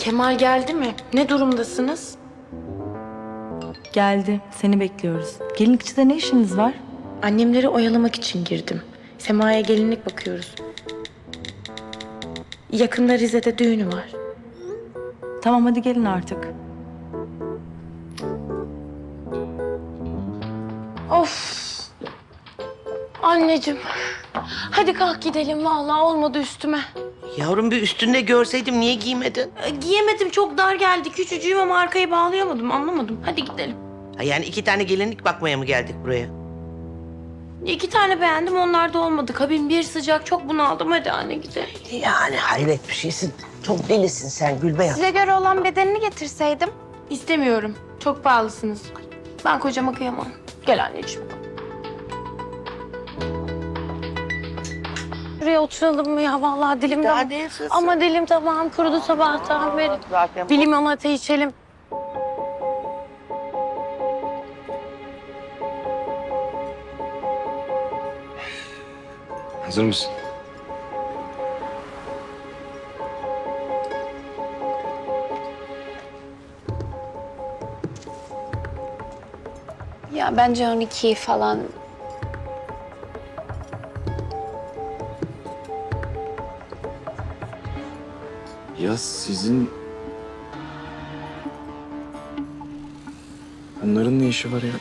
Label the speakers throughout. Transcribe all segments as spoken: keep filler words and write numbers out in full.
Speaker 1: Kemal geldi mi? Ne durumdasınız?
Speaker 2: Geldi. Seni bekliyoruz. Gelinlikçide ne işiniz var?
Speaker 1: Annemleri oyalamak için girdim. Sema'ya gelinlik bakıyoruz. Yakında Rize'de düğünü var.
Speaker 2: Tamam hadi gelin artık.
Speaker 1: Of. Anneciğim. Hadi kalk gidelim. Vallahi olmadı üstüme.
Speaker 3: Yavrum bir üstünde görseydim niye giymedin?
Speaker 1: E, giyemedim, çok dar geldi. Küçücüğüm ama arkayı bağlayamadım. Anlamadım. Hadi gidelim.
Speaker 3: Ha, yani iki tane gelinlik bakmaya mı geldik buraya?
Speaker 1: İki tane beğendim, onlar da olmadı. Kabin bir sıcak, çok bunaldım. Hadi anne gidelim.
Speaker 3: Yani hayret bir şeysin. Çok delisin sen Gülbeyaz.
Speaker 4: Size göre olan bedenini getirseydim.
Speaker 1: İstemiyorum. Çok pahalısınız. Ben kocama kıyamam. Gel anneciğim. Şuraya oturalım mı ya? Vallahi dilim
Speaker 3: Daha
Speaker 1: tam...
Speaker 3: ne yaşasın?
Speaker 1: Ama dilim tamam kurudu sabahtan beri.
Speaker 3: Zaten
Speaker 1: Bir limonata içelim.
Speaker 5: Hazır mısın?
Speaker 4: Ya bence on iki falan.
Speaker 5: Ya sizin... Bunların ne işi var ya?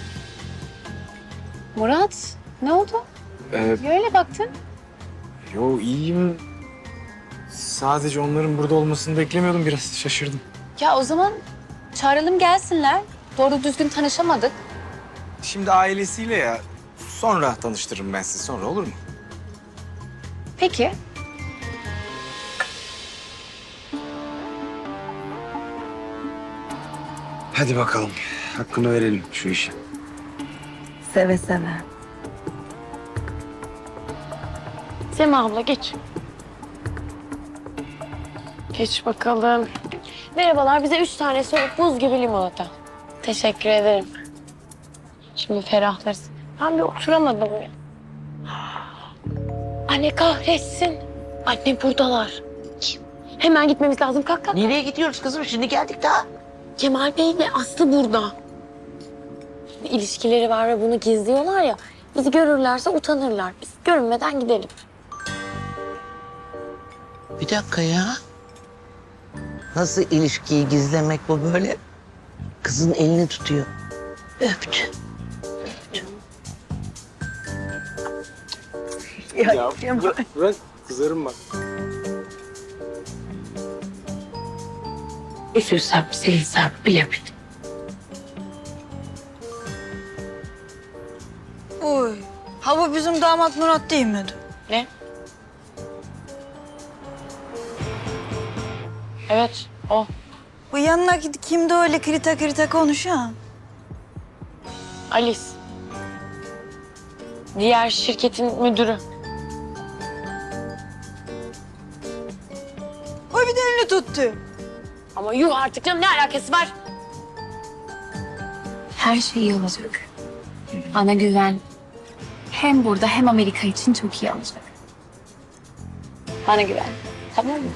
Speaker 4: Murat, ne oldu?
Speaker 5: Ee,
Speaker 4: Niye öyle baktın?
Speaker 5: yo iyiyim. Sadece onların burada olmasını beklemiyordum. Biraz şaşırdım.
Speaker 4: Ya o zaman çağıralım gelsinler. Doğru düzgün tanışamadık.
Speaker 5: Şimdi ailesiyle ya. Sonra tanıştırırım ben sizi. Sonra olur mu?
Speaker 4: Peki.
Speaker 5: Hadi bakalım. Hakkını verelim şu işe.
Speaker 2: Seve seve.
Speaker 1: Sema abla geç. Geç bakalım. Merhabalar, bize üç tane soğuk buz gibi limonata. Teşekkür ederim. Şimdi ferahlarız. Ben bir oturamadım ya. Anne kahretsin. Anne buradalar. Hemen gitmemiz lazım. Kalk kalk.
Speaker 3: Nereye gidiyoruz kızım? Şimdi geldik daha.
Speaker 1: Kemal Bey ile Aslı burada. İlişkileri var ve bunu gizliyorlar ya. Bizi görürlerse utanırlar. Biz görünmeden gidelim.
Speaker 3: Bir dakika ya. Nasıl ilişkiyi gizlemek bu böyle? Kızın elini tutuyor. Öptü.
Speaker 5: Ya, bırak, bırak. Kızarım bak.
Speaker 1: Üzülsem, sevinsem bilemedim.
Speaker 6: Oy. Ha bu bizim damat Murat değil miydi?
Speaker 1: Ne? Evet, o.
Speaker 6: Bu yanındaki kimdi öyle krita krita konuşan?
Speaker 1: Alice. Diğer şirketin müdürü.
Speaker 6: O bir de elini tuttu.
Speaker 1: Ama yuh artık canım, ne alakası var?
Speaker 7: Her şey iyi olacak. Bana güven. Hem burada hem Amerika için çok iyi olacak.
Speaker 4: Bana güven. Tamam mı?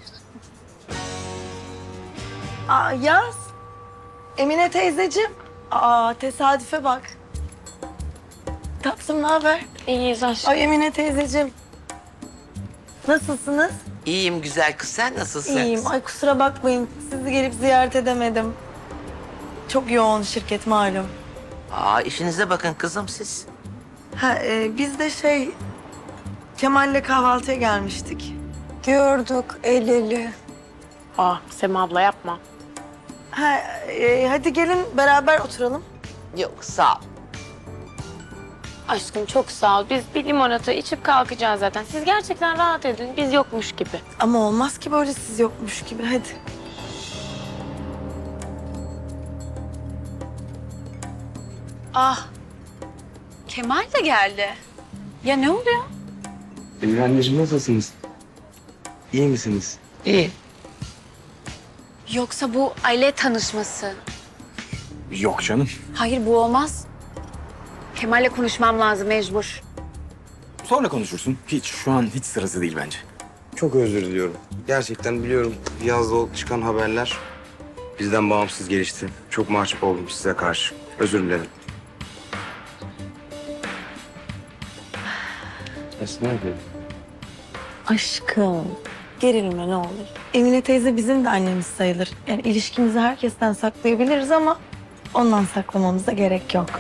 Speaker 6: Aa Yaz. Emine teyzeciğim. Aa tesadüfe bak. Tatlım ne haber?
Speaker 1: İyiyiz aşkım.
Speaker 6: Ay Emine teyzeciğim. Nasılsınız?
Speaker 3: İyiyim güzel kız. Sen nasılsın?
Speaker 6: İyiyim. Ay kusura bakmayın. Sizi gelip ziyaret edemedim. Çok yoğun şirket malum.
Speaker 3: Aa işinize bakın kızım siz.
Speaker 6: Ha e, biz de şey Kemal'le kahvaltıya gelmiştik. Gördük el ele.
Speaker 1: Ah Sema abla yapma.
Speaker 6: Ha e, hadi gelin beraber oturalım.
Speaker 3: Yok sağ ol.
Speaker 1: Aşkım çok sağ ol. Biz bir limonata içip kalkacağız zaten. Siz gerçekten rahat edin. Biz yokmuş gibi.
Speaker 6: Ama olmaz ki böyle siz yokmuş gibi. Hadi.
Speaker 4: Ah. Kemal de geldi. Ya ne oluyor?
Speaker 5: Benim anneciğim nasılsınız? İyi misiniz?
Speaker 3: İyi.
Speaker 4: Yoksa bu aile tanışması.
Speaker 5: Yok canım.
Speaker 4: Hayır bu olmaz. Kemal'le konuşmam lazım mecbur.
Speaker 5: Sonra konuşursun. Hiç şu an hiç sırası değil bence.
Speaker 8: Çok özür diliyorum. Gerçekten biliyorum yazda çıkan haberler bizden bağımsız gelişti. Çok mahcup oldum size karşı. Özür dilerim. Esma abi.
Speaker 2: Aşkım. Gerilme ne olur. Emine teyze bizim de annemiz sayılır. Yani ilişkimizi herkesten saklayabiliriz ama ondan saklamamıza gerek yok.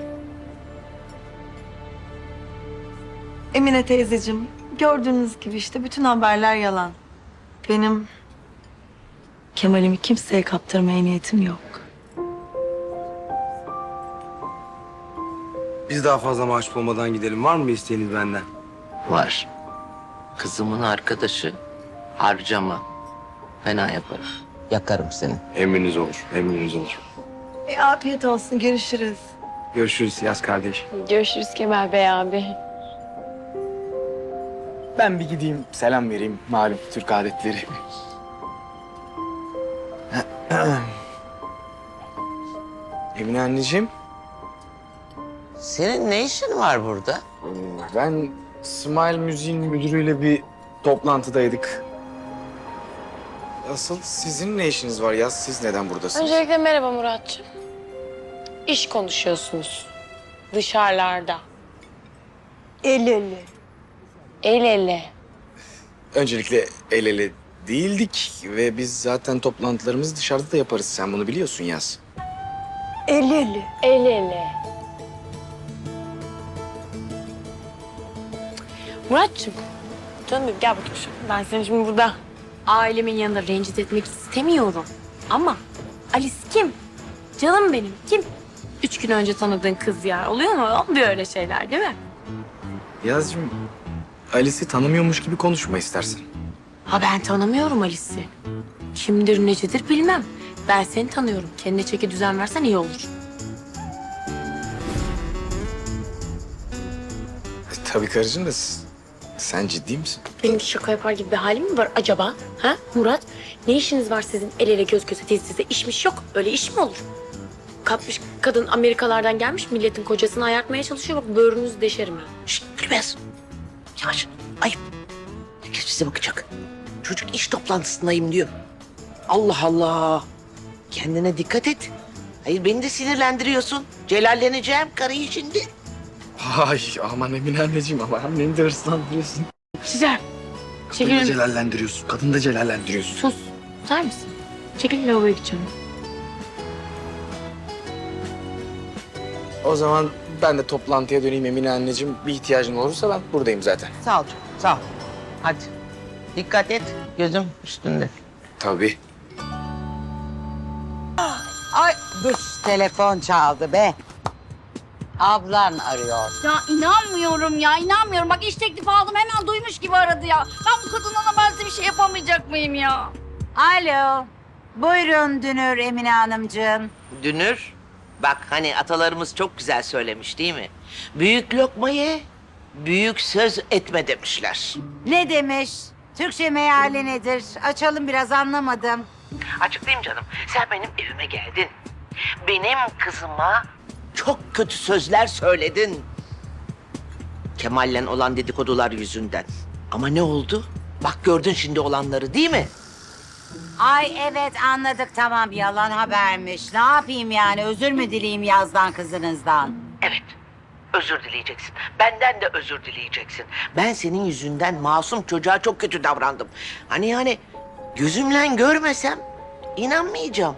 Speaker 2: Emine teyzeciğim, gördüğünüz gibi işte bütün haberler yalan. Benim Kemal'imi kimseye kaptırmaya niyetim yok.
Speaker 8: Biz daha fazla mahcup olmadan gidelim. Var mı bir isteğiniz benden?
Speaker 3: Var. Kızımın arkadaşı harcama. Fena yaparım. Yakarım seni.
Speaker 8: Emriniz olur, emriniz olur.
Speaker 2: E, afiyet olsun, görüşürüz.
Speaker 8: Görüşürüz Yaz kardeş.
Speaker 1: Görüşürüz Kemal Bey abi.
Speaker 5: Ben bir gideyim selam vereyim. Malum Türk adetleri. Emine anneciğim.
Speaker 3: Senin ne işin var burada?
Speaker 5: Ben Smile Müziğin müdürüyle bir toplantıdaydık. Asıl sizin ne işiniz var ya? Siz neden buradasınız?
Speaker 1: Öncelikle merhaba Muratcığım. İş konuşuyorsunuz. Dışarılarda.
Speaker 6: El ele.
Speaker 1: El ele.
Speaker 5: Öncelikle el ele değildik ve biz zaten toplantılarımızı dışarıda da yaparız. Sen bunu biliyorsun Yaz.
Speaker 6: El ele.
Speaker 1: El ele. Muratcığım. Canım benim, gel bakayım şu. Ben seni şimdi burada ailemin yanında rencide etmek istemiyorum. Ama Alice kim? Canım benim kim? Üç gün önce tanıdığın kız ya. Oluyor mu? Olmuyor öyle şeyler değil mi?
Speaker 5: Yazcığım, Alice'i tanımıyormuş gibi konuşma istersen.
Speaker 1: Ha ben tanımıyorum Alice'i. Kimdir necedir bilmem. Ben seni tanıyorum. Kendine çeki düzen versen iyi olur.
Speaker 5: E, tabii karıcığım da s- sen ciddi misin?
Speaker 1: Benim şaka yapar gibi bir halim mi var acaba? Ha Murat? Ne işiniz var sizin el ele göz göze diz dize? İşmiş yok. Öyle iş mi olur? Kapmış kadın Amerikalardan gelmiş milletin kocasını ayartmaya çalışıyor. Bak böğrünüzü deşerim ha.
Speaker 3: Şşt Gülbez. Yavaş. Ayıp. Herkes bize bakacak. Çocuk iş toplantısındayım diyor. Allah Allah. Kendine dikkat et. Hayır beni de sinirlendiriyorsun. Celalleneceğim karıyı şimdi.
Speaker 5: Ay aman Emine anneciğim ama anneni de hırslandırıyorsun.
Speaker 1: Güzel.
Speaker 5: Kadını da
Speaker 1: Çekilin.
Speaker 5: celallendiriyorsun. Kadını da celallendiriyorsun.
Speaker 1: Sus. Susar mısın? Çekil lavaboya gideceğim.
Speaker 5: O zaman ben de toplantıya döneyim Emine anneciğim. Bir ihtiyacın olursa ben buradayım zaten.
Speaker 3: Sağ ol canım, sağ ol. Hadi. Dikkat et. Gözüm üstünde.
Speaker 5: Tabii.
Speaker 9: Ay dur telefon çaldı be. Ablan arıyor.
Speaker 7: Ya inanmıyorum ya inanmıyorum. Bak iş teklifi aldım hemen duymuş gibi aradı ya. Ben bu kadınla ben size bir şey yapamayacak mıyım ya?
Speaker 9: Alo. Buyurun Dünür Emine Hanımcığım.
Speaker 3: Dünür. Bak hani atalarımız çok güzel söylemiş değil mi? Büyük lokma ye, büyük söz etme demişler.
Speaker 9: Ne demiş? Türkçe meali nedir? Açalım biraz anlamadım.
Speaker 3: Açıklayayım canım. Sen benim evime geldin. Benim kızıma çok kötü sözler söyledin. Kemal'le olan dedikodular yüzünden. Ama ne oldu? Bak gördün şimdi olanları değil mi?
Speaker 9: Ay evet anladık tamam yalan habermiş. Ne yapayım yani özür mü dileyim Yaz'dan kızınızdan?
Speaker 3: Evet. Özür dileyeceksin. Benden de özür dileyeceksin. Ben senin yüzünden masum çocuğa çok kötü davrandım. Hani yani gözümle görmesem inanmayacağım.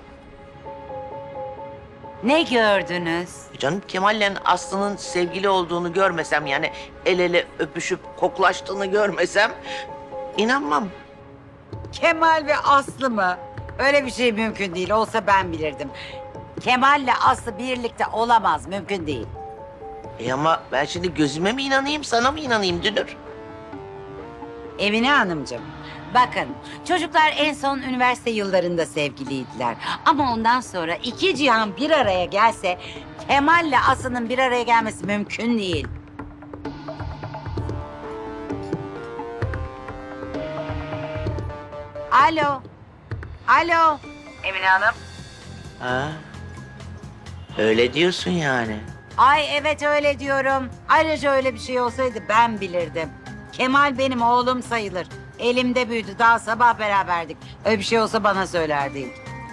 Speaker 9: Ne gördünüz?
Speaker 3: Canım Kemal'le Aslı'nın sevgili olduğunu görmesem yani el ele öpüşüp koklaştığını görmesem inanmam.
Speaker 9: Kemal ve Aslı mı? Öyle bir şey mümkün değil. Olsa ben bilirdim. Kemal'le Aslı birlikte olamaz. Mümkün değil.
Speaker 3: E ama ben şimdi gözüme mi inanayım sana mı inanayım Dünür?
Speaker 9: Emine Hanımcığım, bakın çocuklar en son üniversite yıllarında sevgiliydiler. Ama ondan sonra iki cihan bir araya gelse Kemal'le Aslı'nın bir araya gelmesi mümkün değil. Alo. Alo. Emine Hanım.
Speaker 3: Ha? Öyle diyorsun yani.
Speaker 9: Ay evet öyle diyorum. Ayrıca öyle bir şey olsaydı ben bilirdim. Kemal benim oğlum sayılır. Elimde büyüdü. Daha sabah beraberdik. Öyle bir şey olsa bana söylerdi.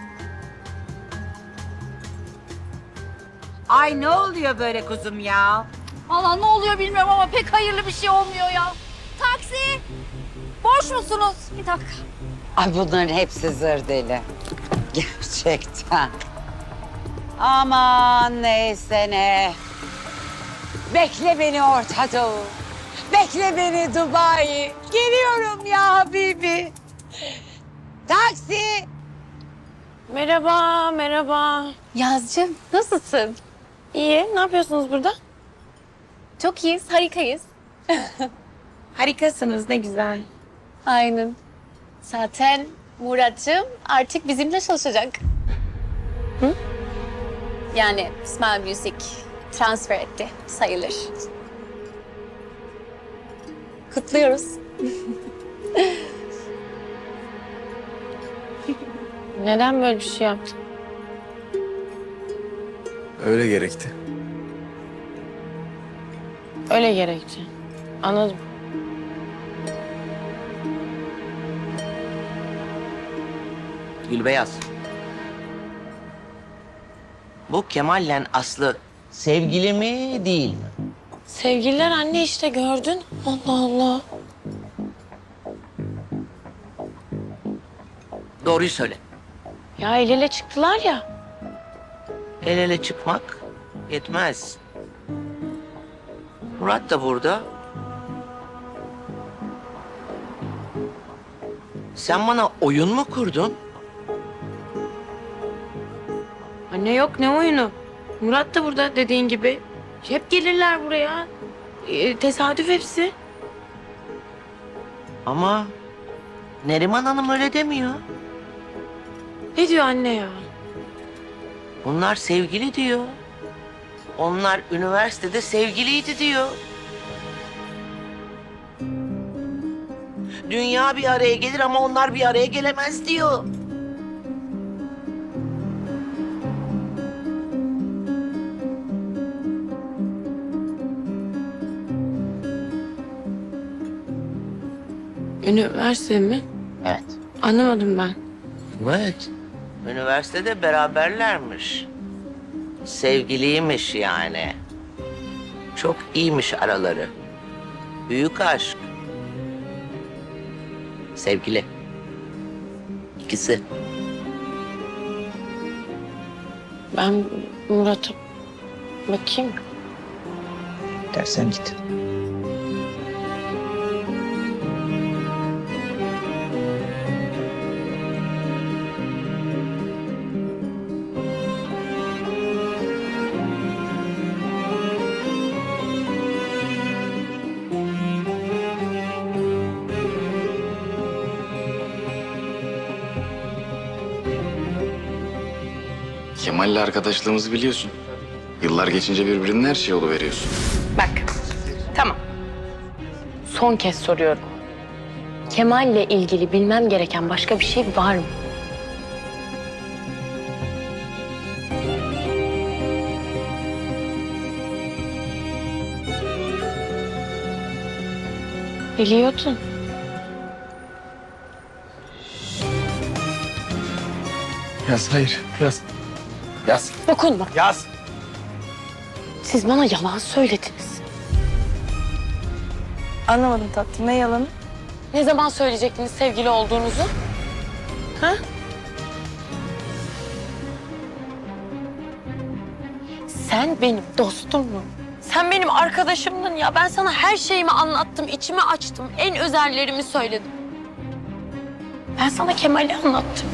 Speaker 9: Ay ne oluyor böyle kuzum ya?
Speaker 7: Valla ne oluyor bilmiyorum ama pek hayırlı bir şey olmuyor ya. Taksi! Boş musunuz? Bir dakika.
Speaker 9: Ay bunların hepsi zır deli. Gerçekten. Aman neyse ne. Bekle beni Orta Doğu. Bekle beni Dubai. Geliyorum ya Habibi. Taksi.
Speaker 1: Merhaba, merhaba.
Speaker 4: Yazcığım nasılsın?
Speaker 1: İyi, ne yapıyorsunuz burada?
Speaker 4: Çok iyiyiz, harikayız.
Speaker 1: Harikasınız, ne güzel.
Speaker 4: Aynen. Zaten Murat'cığım artık bizimle çalışacak. Hı? Yani Smile Music transfer etti sayılır. Kutluyoruz.
Speaker 1: Neden böyle bir şey yaptın?
Speaker 5: Öyle gerekti.
Speaker 1: Öyle gerekti. Anladım.
Speaker 3: Gülbeyaz. Bu Kemal'le Aslı sevgili mi değil mi?
Speaker 1: Sevgililer anne işte gördün. Allah Allah.
Speaker 3: Doğruyu söyle.
Speaker 1: Ya el ele çıktılar ya.
Speaker 3: El ele çıkmak yetmez. Murat da burada. Sen bana oyun mu kurdun?
Speaker 1: Anne yok ne oyunu. Murat da burada dediğin gibi. Hep gelirler buraya. Ee, tesadüf hepsi.
Speaker 3: Ama Neriman Hanım öyle demiyor.
Speaker 1: Ne diyor anne ya?
Speaker 3: Bunlar sevgili diyor. Onlar üniversitede sevgiliydi diyor. Dünya bir araya gelir ama onlar bir araya gelemez diyor.
Speaker 1: Üniversite mi?
Speaker 3: Evet.
Speaker 1: Anlamadım ben.
Speaker 3: Evet. Üniversitede beraberlermiş. Sevgiliymiş yani. Çok iyiymiş araları. Büyük aşk. Sevgili. İkisi.
Speaker 1: Ben Murat'a bakayım.
Speaker 3: Dersen git.
Speaker 5: Kemal'le arkadaşlığımızı biliyorsun. Yıllar geçince birbirinin her şeyi oluveriyorsun.
Speaker 1: Bak. Tamam. Son kez soruyorum. Kemal'le ilgili bilmem gereken başka bir şey var mı? Biliyordun.
Speaker 5: Yaz hayır yaz. Yaz.
Speaker 1: Dokunma.
Speaker 5: Yaz.
Speaker 1: Siz bana yalan söylediniz.
Speaker 2: Anlamadım tatlım. Ne yalanı?
Speaker 1: Ne zaman söyleyecektiniz sevgili olduğunuzu? Ha? Sen benim dostumdun. Sen benim arkadaşımdın ya. Ben sana her şeyimi anlattım, içimi açtım. En özellerimi söyledim. Ben sana Kemal'i anlattım.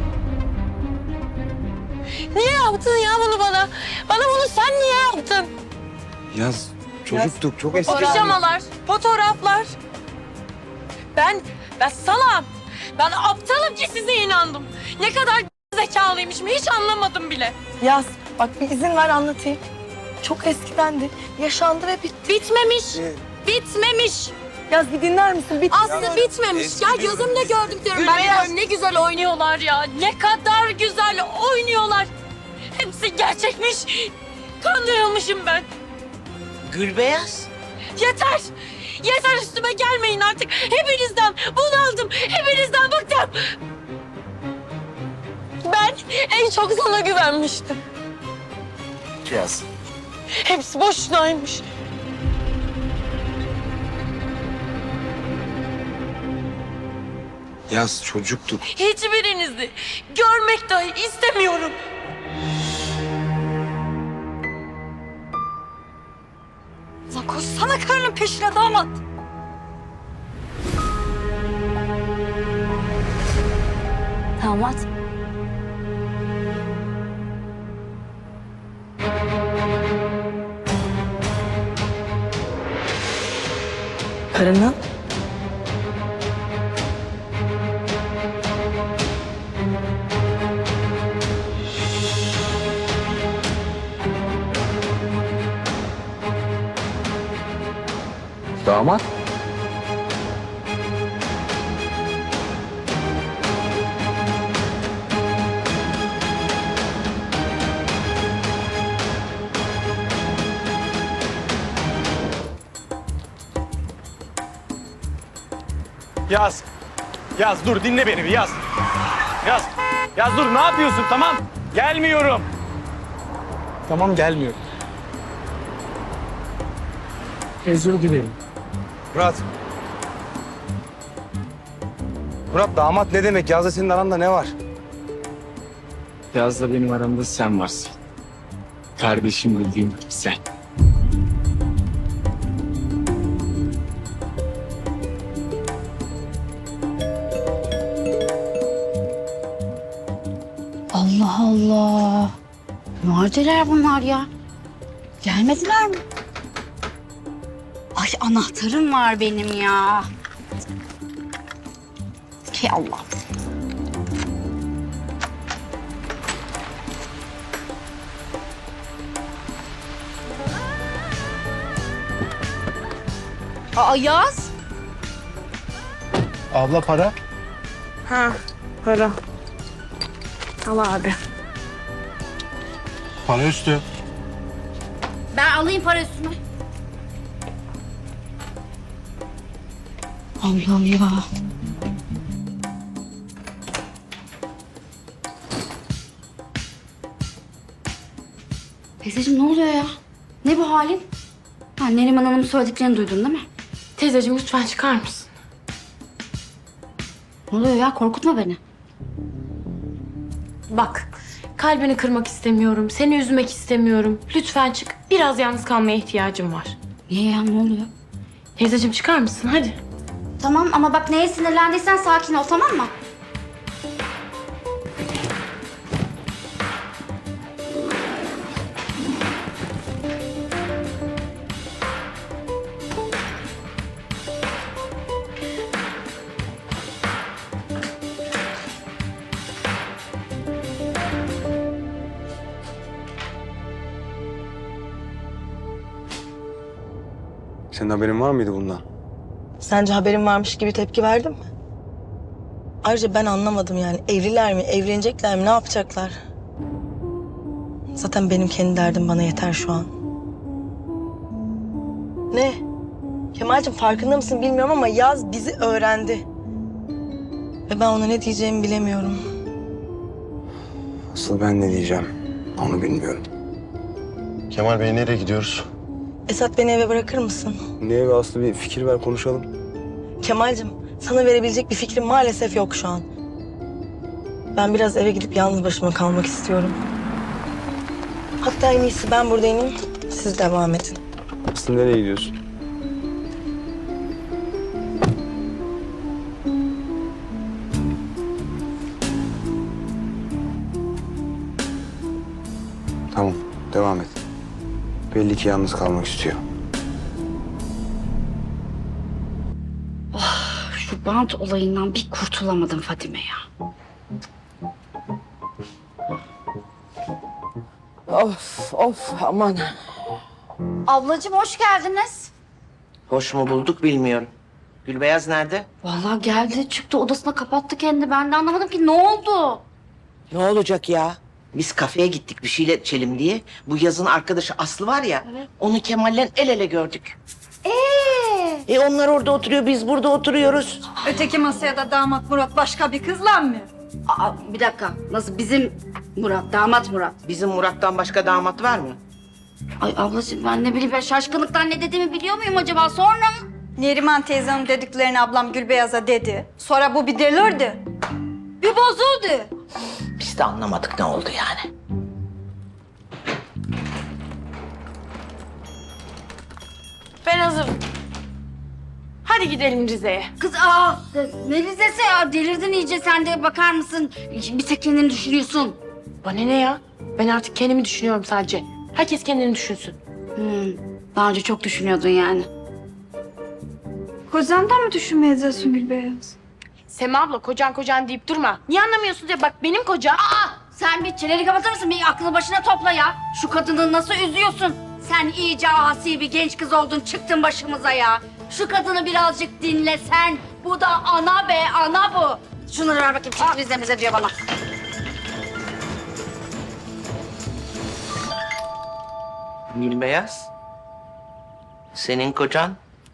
Speaker 1: Niye yaptın ya bunu bana? Bana bunu sen niye yaptın?
Speaker 8: Yaz çocuktuk çok
Speaker 1: O
Speaker 8: eski.
Speaker 1: pijamalar, fotoğraflar. Ben, ben salam. Ben aptalım ki size inandım. Ne kadar zekalıymışım hiç anlamadım bile.
Speaker 2: Yaz. Bak bir izin ver anlatayım. Çok eskidendi. Yaşandı ve bitti.
Speaker 1: Bitmemiş, bitmemiş.
Speaker 2: Yaz bir dinler misin? Bitti.
Speaker 1: Aslı bitmemiş. Ya gözümle gördüm diyorum. Ben de
Speaker 3: Gülbeyaz.
Speaker 1: diyorum ne güzel oynuyorlar ya. Ne kadar güzel oynuyorlar. Hepsi gerçekmiş. Kandırılmışım ben.
Speaker 3: Gülbeyaz.
Speaker 1: Yeter. Yeter üstüme gelmeyin artık. Hepinizden bundan
Speaker 2: Çok sana güvenmiştim.
Speaker 5: Yaz.
Speaker 2: Hepsi boşunaymış.
Speaker 5: Yaz çocuktuk.
Speaker 2: Hiçbirinizi görmek dahi istemiyorum.
Speaker 7: Lan koşsana karının peşine damat. Damat.
Speaker 2: Karına?
Speaker 5: Damat.
Speaker 10: Yaz. Yaz dur dinle beni bir Yaz. Yaz. Yaz dur ne yapıyorsun tamam. Gelmiyorum. Tamam gelmiyorum. Özür dilerim.
Speaker 8: Murat. Murat damat ne demek? Yazda senin aranda ne var?
Speaker 10: Yaz'la benim aramda sen varsın. Kardeşim bildiğin sen.
Speaker 7: Allah Allah. Neredeler bunlar ya? Gelmediler mi? Ay anahtarım var benim ya. Hey Allah. Aa Yaz.
Speaker 10: Abla para.
Speaker 2: Ha, para. Al abi.
Speaker 8: Para üstü.
Speaker 7: Ben alayım para üstüme. Allah Allah. Teyzeciğim ne oluyor ya? Ne bu halin? Ha, Neriman Hanım'ın söylediklerini duydun değil mi?
Speaker 1: Teyzeciğim lütfen çıkar mısın?
Speaker 7: Ne oluyor ya? Korkutma beni.
Speaker 1: Bak, kalbini kırmak istemiyorum, seni üzmek istemiyorum. Lütfen çık, biraz yalnız kalmaya ihtiyacım var.
Speaker 7: Niye ya? Ne oluyor?
Speaker 1: Teyzeciğim çıkar mısın? Hadi.
Speaker 7: Tamam ama bak neye sinirlendiysen sakin ol tamam mı?
Speaker 8: Senin haberin var mıydı bundan?
Speaker 2: Sence haberim varmış gibi tepki verdin mi? Ayrıca ben anlamadım yani. Evliler mi, evlenecekler mi, ne yapacaklar? Zaten benim kendi derdim bana yeter şu an. Ne? Kemal'cim farkında mısın bilmiyorum ama Yaz bizi öğrendi. Ve ben ona ne diyeceğimi bilemiyorum.
Speaker 8: Asıl ben ne diyeceğim onu bilmiyorum.
Speaker 11: Kemal Bey nereye gidiyoruz?
Speaker 2: Esat beni eve bırakır mısın?
Speaker 8: Ne evi Aslı bir fikir ver konuşalım.
Speaker 2: Kemal'cim sana verebilecek bir fikrim maalesef yok şu an. Ben biraz eve gidip yalnız başıma kalmak istiyorum. Hatta en iyisi ben burada ineyim, siz devam edin.
Speaker 8: Aslı nereye gidiyorsun? Tamam, devam et. Belli ki yalnız kalmak istiyor.
Speaker 7: Şu bant olayından bir kurtulamadım Fadime ya.
Speaker 3: Of of aman.
Speaker 7: Ablacığım hoş geldiniz.
Speaker 3: Hoş mu bulduk bilmiyorum. Gülbeyaz nerede?
Speaker 7: Vallahi geldi çıktı odasına kapattı kendini. Ben de anlamadım ki ne oldu?
Speaker 3: Ne olacak ya? Biz kafeye gittik bir şeyler içelim diye. Bu Yaz'ın arkadaşı Aslı var ya. Onu Kemal'le el ele gördük.
Speaker 7: Ee?
Speaker 3: E onlar orada oturuyor, biz burada oturuyoruz.
Speaker 12: Öteki masaya da damat Murat başka bir kızla mı?
Speaker 7: Aa, bir dakika. Nasıl bizim Murat, damat Murat?
Speaker 3: Bizim Murat'tan başka damat var mı?
Speaker 7: Ay ablacığım ben ne bileyim ben şaşkınlıktan ne dediğimi biliyor muyum acaba sonra?
Speaker 12: Neriman teyzenin dediklerini ablam Gülbeyaz'a dedi. Sonra bu bir delirdi. Bir bozuldu.
Speaker 3: Biz de anlamadık ne oldu yani.
Speaker 1: Ben hazırım. Hadi gidelim Rize'ye.
Speaker 7: Kız aa ne Rize'si ya delirdin iyice sen de bakar mısın? Bir tek kendini düşünüyorsun.
Speaker 1: Bana ne ya? Ben artık kendimi düşünüyorum sadece. Herkes kendini düşünsün.
Speaker 7: Hmm, daha önce çok düşünüyordun yani.
Speaker 12: Kocandan mı düşünmeyeceksin Gülbeyaz?
Speaker 1: Sema abla kocan kocan deyip durma. Niye anlamıyorsun diye bak benim kocam.
Speaker 7: Aa sen bir çeneni kapatır mısın? Bir aklını başına topla ya. Şu kadını nasıl üzüyorsun? Sen iyice asi bir genç kız oldun çıktın başımıza ya. Şu kadını birazcık dinlesen. Bu da ana be ana bu. Şunları ver bakayım çık Rize'mize diyor bana.
Speaker 3: Gülbeyaz. Senin kocan?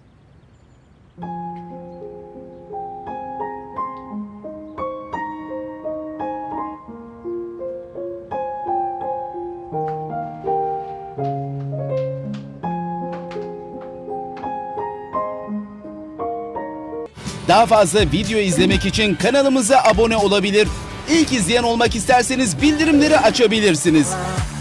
Speaker 13: Daha fazla video izlemek için kanalımıza abone olabilir. İlk izleyen olmak isterseniz bildirimleri açabilirsiniz.